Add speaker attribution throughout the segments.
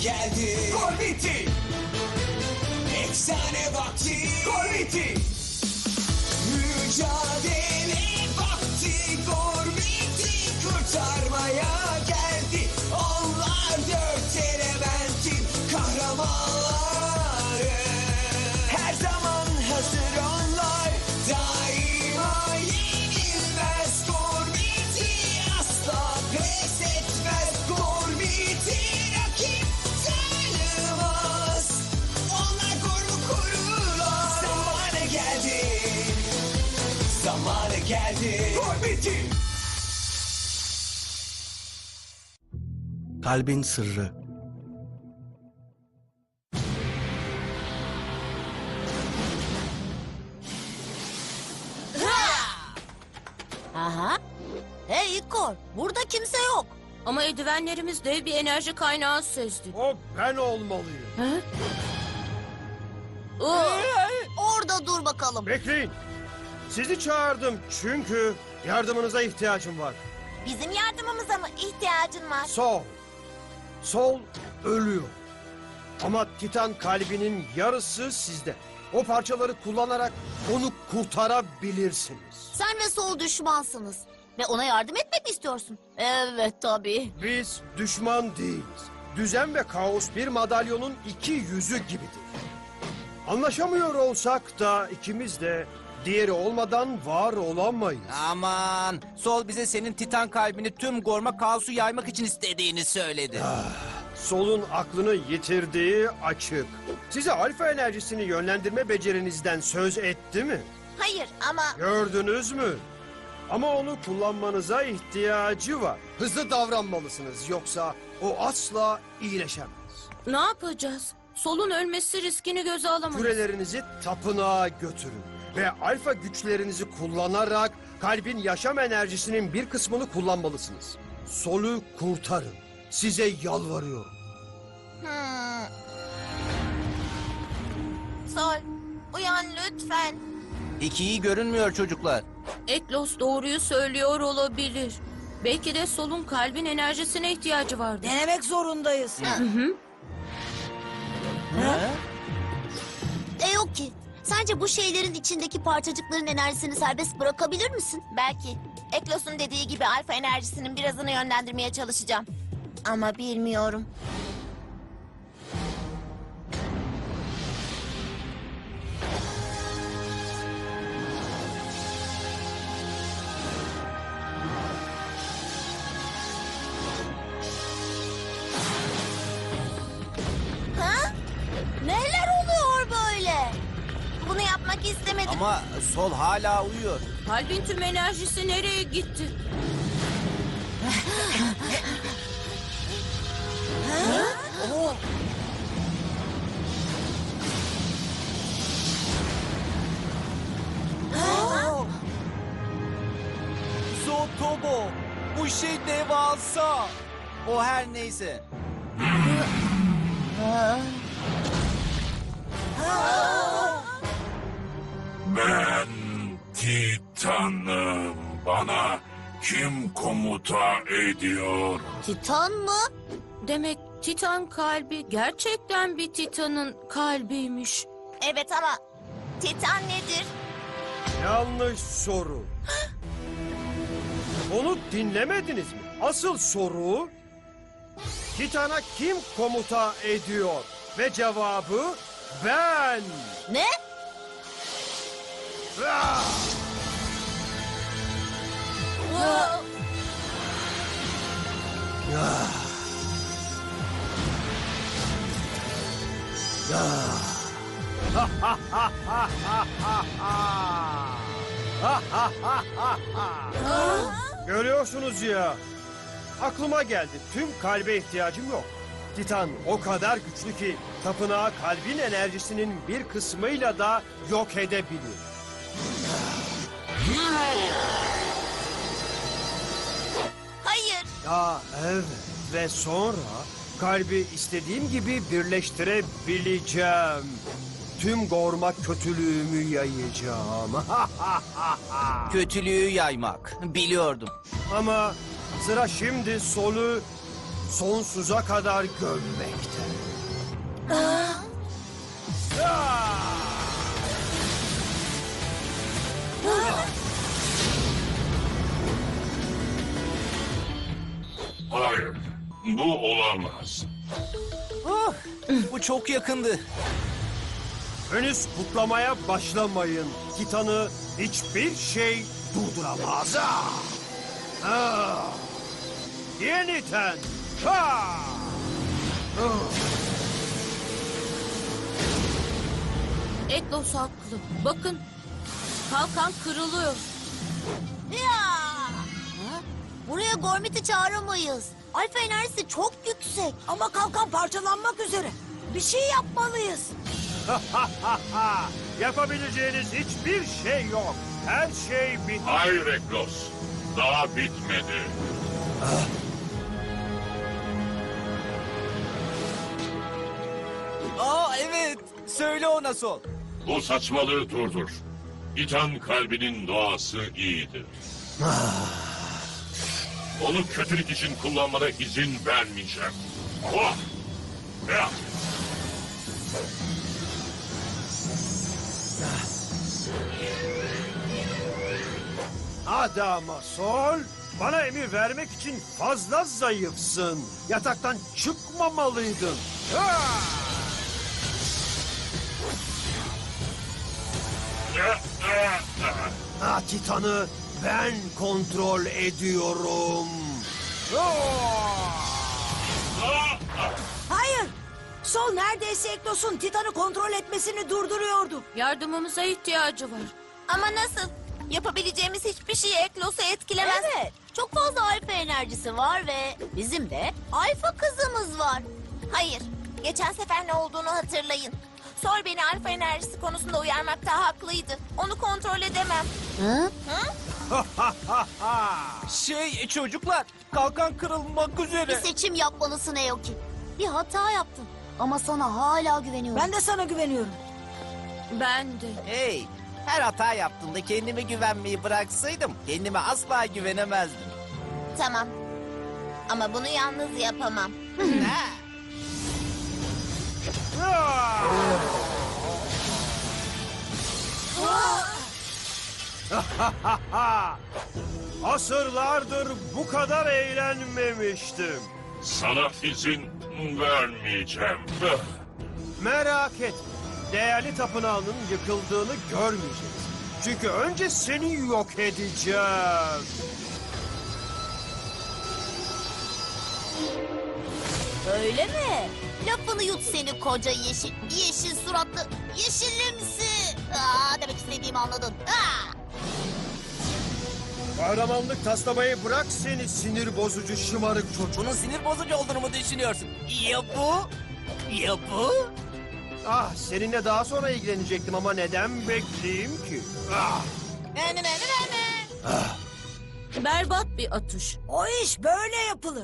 Speaker 1: geldi. Gol bitti. Efsane vakti. Gol bitti. Mücadele vakti. Gol bitti. Kurtarmaya geldi. Onlar dört elementin kahramanları. Her zaman hazır onlar. Daima yenilmez. Gol bitti. Asla pes etmez. Gol bitti. Rakip tanımaz. Onlar golü korurlar. Zamanı geldi. Zamanı geldi. Gol bitti.
Speaker 2: Kalbin sırrı.
Speaker 3: Aha. Hey İkor, burada kimse yok.
Speaker 4: Ama eldivenlerimiz dev bir enerji kaynağı sezdi.
Speaker 5: O ben olmalıyım.
Speaker 3: Orada dur bakalım.
Speaker 5: Bekleyin. Sizi çağırdım çünkü yardımınıza ihtiyacım var.
Speaker 3: Bizim yardımımıza mı ihtiyacın var?
Speaker 5: Sol. Sol ölüyor. Ama Titan kalbinin yarısı sizde. O parçaları kullanarak onu kurtarabilirsiniz.
Speaker 3: Sen ve Sol düşmansınız. Ve ona yardım etmek mi istiyorsun? Evet tabii.
Speaker 5: Biz düşman değiliz. Düzen ve kaos bir madalyonun iki yüzü gibidir. Anlaşamıyor olsak da ikimiz de diğeri olmadan var olamayız.
Speaker 6: Aman, Sol bize senin Titan kalbini tüm Gorma kaosu yaymak için istediğini söyledi.
Speaker 5: Sol'un aklını yitirdiği açık. Size alfa enerjisini yönlendirme becerinizden söz etti mi?
Speaker 3: Hayır ama...
Speaker 5: Gördünüz mü? Ama onu kullanmanıza ihtiyacı var. Hızlı davranmalısınız yoksa o asla iyileşemez.
Speaker 4: Ne yapacağız? Solun ölmesi riskini göze alamayız.
Speaker 5: Kürelerinizi tapınağa götürün. Ve alfa güçlerinizi kullanarak kalbin yaşam enerjisinin bir kısmını kullanmalısınız. Sol'u kurtarın. Size yalvarıyorum.
Speaker 3: Sol, uyan lütfen.
Speaker 6: İki iyi görünmüyor çocuklar.
Speaker 4: Eklos doğruyu söylüyor olabilir. Belki de Sol'un kalbin enerjisine ihtiyacı vardı.
Speaker 7: Denemek zorundayız.
Speaker 3: Yok ki. Sence bu şeylerin içindeki parçacıkların enerjisini serbest bırakabilir misin? Belki. Eklos'un dediği gibi alfa enerjisinin birazını yönlendirmeye çalışacağım. Ama bilmiyorum. Ha? Neler oluyor böyle? Bunu yapmak istemedim.
Speaker 6: Ama Sol hala uyuyor.
Speaker 4: Kalbin tüm enerjisi nereye gitti?
Speaker 6: Zotobo, bu şey devasa. O her neyse.
Speaker 8: Ben Titan'ım. Bana kim komuta ediyor?
Speaker 3: Titan mı?
Speaker 4: Demek Titan kalbi gerçekten bir Titan'ın kalbiymiş.
Speaker 3: Evet ama Titan nedir?
Speaker 5: Yanlış soru. Onu dinlemediniz mi? Asıl soru... Titan'a kim komuta ediyor? Ve cevabı ben.
Speaker 3: Ne?
Speaker 5: Ah! Görüyorsunuz ya. Aklıma geldi. Tüm kalbe ihtiyacım yok. Titan o kadar güçlü ki tapınağı kalbin enerjisinin bir kısmıyla da yok edebilir.
Speaker 3: Hayır.
Speaker 5: Ya evet. Ve sonra kalbi istediğim gibi birleştirebileceğim. Tüm Gorma kötülüğümü yayacağım.
Speaker 6: Kötülüğü yaymak. Biliyordum.
Speaker 5: Ama sıra şimdi sonsuza kadar gömmekte.
Speaker 8: Hayır, bu olamaz.
Speaker 6: Bu çok yakındı.
Speaker 5: Henüz kutlamaya başlamayın. Titan'ı hiçbir şey durduramaz. Yeniden. Ha!
Speaker 4: Eklos haklı. Bakın. Kalkan kırılıyor.
Speaker 3: Ya! Ha? Buraya Gormit'i çağıramayız. Alfa enerjisi çok yüksek.
Speaker 2: Ama kalkan parçalanmak üzere. Bir şey yapmalıyız.
Speaker 5: Yapabileceğiniz hiçbir şey yok. Her şey bitti.
Speaker 8: Hayır Eklos, daha bitmedi.
Speaker 6: Aa evet. Söyle ona Sol.
Speaker 8: Bu saçmalığı durdur. Titan kalbinin doğası iyidir. Onu kötülük için kullanmana izin vermeyeceğim. Oh! Ya!
Speaker 5: Adama Sol, bana emir vermek için fazla zayıfsın. Yataktan çıkmamalıydın. Titan'ı ben kontrol ediyorum.
Speaker 2: Hayır. Sol neredeyse Eklos'un Titan'ı kontrol etmesini durduruyordu.
Speaker 4: Yardımımıza ihtiyacı var.
Speaker 3: Ama nasıl? Yapabileceğimiz hiçbir şey Eklos'u etkilemez. Evet. Çok fazla alfa enerjisi var ve bizim de alfa kızımız var. Hayır. Geçen sefer ne olduğunu hatırlayın. Sol beni alfa enerjisi konusunda uyarmakta haklıydı. Onu kontrol edemem. Hı?
Speaker 6: Çocuklar, kalkan kırılmak
Speaker 3: Bir
Speaker 6: üzere.
Speaker 3: seçim yapmalısın Eoki. Bir hata yaptın. Ama sana hala güveniyorum.
Speaker 2: Ben de sana güveniyorum.
Speaker 4: Ben de.
Speaker 6: Hey, her hata yaptığımda kendime güvenmeyi bıraksaydım kendime asla güvenemezdim.
Speaker 3: Tamam. Ama bunu yalnız yapamam.
Speaker 6: Ha.
Speaker 5: Asırlardır bu kadar eğlenmemiştim.
Speaker 8: Sana izin vermeyeceğim.
Speaker 5: Merak etme. Değerli tapınağının yıkıldığını görmeyeceğiz. Çünkü önce seni yok edeceğim.
Speaker 3: Öyle mi? Lafını yut seni koca yeşil. Yeşil suratlı. Yeşilimsi. Demek istediğimi anladın.
Speaker 5: Kahramanlık taslamayı bırak seni sinir bozucu şımarık çocuk.
Speaker 6: Bunun sinir bozucu olduğunu mu düşünüyorsun? Ya bu? Ya bu?
Speaker 5: Seninle daha sonra ilgilenecektim ama neden bekleyeyim ki?
Speaker 4: Berbat bir atış.
Speaker 2: O iş böyle yapılır.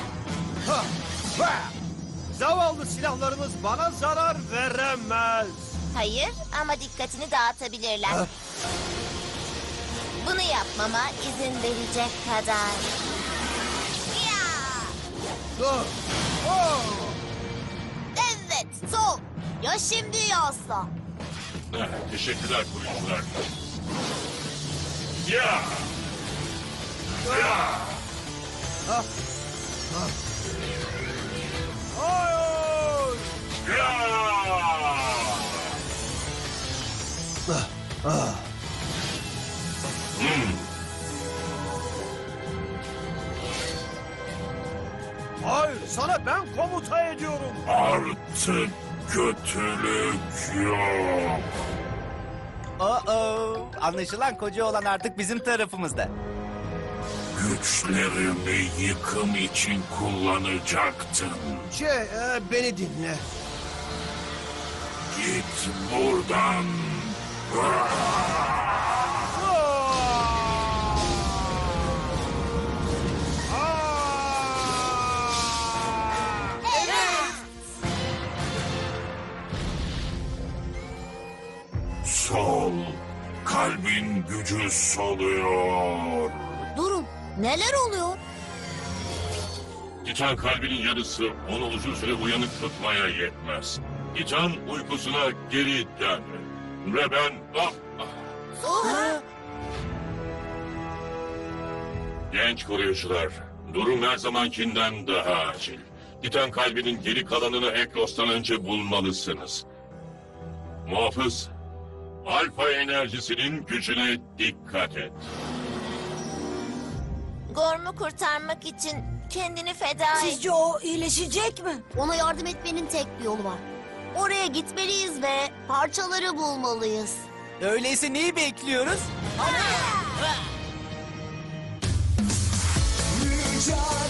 Speaker 5: Zavallı silahlarınız bana zarar veremez.
Speaker 3: Hayır ama dikkatini dağıtabilirler. Bunu yapmama izin verecek kadar. Ya! Evet, sol. Ya şimdi ya asla.
Speaker 8: Teşekkürler koruyucular. Ya! Ya!
Speaker 5: Hayır!
Speaker 8: Ya!
Speaker 5: Hayır, sana ben komuta ediyorum.
Speaker 8: Artık kötülük yok.
Speaker 6: Anlaşılan koca olan artık bizim tarafımızda.
Speaker 8: Güçlerimi yıkım için kullanacaktın.
Speaker 5: Beni dinle.
Speaker 8: Git buradan. Sol. Kalbin gücü soluyor.
Speaker 3: Durun, neler oluyor?
Speaker 8: Titan kalbinin yarısı onu uzun süre uyanık tutmaya yetmez. Titan uykusuna geri dön. Ve ben... Genç koruyucular, durum her zamankinden daha acil. Titan kalbinin geri kalanını Eklos'tan önce bulmalısınız. Muhafız, alfa enerjisinin gücüne dikkat et.
Speaker 3: Gorm'u kurtarmak için kendini feda et.
Speaker 2: Sizce o iyileşecek mi?
Speaker 3: Ona yardım etmenin tek bir yolu var. Oraya gitmeliyiz ve parçaları bulmalıyız.
Speaker 6: Öyleyse neyi bekliyoruz?
Speaker 1: Mücadele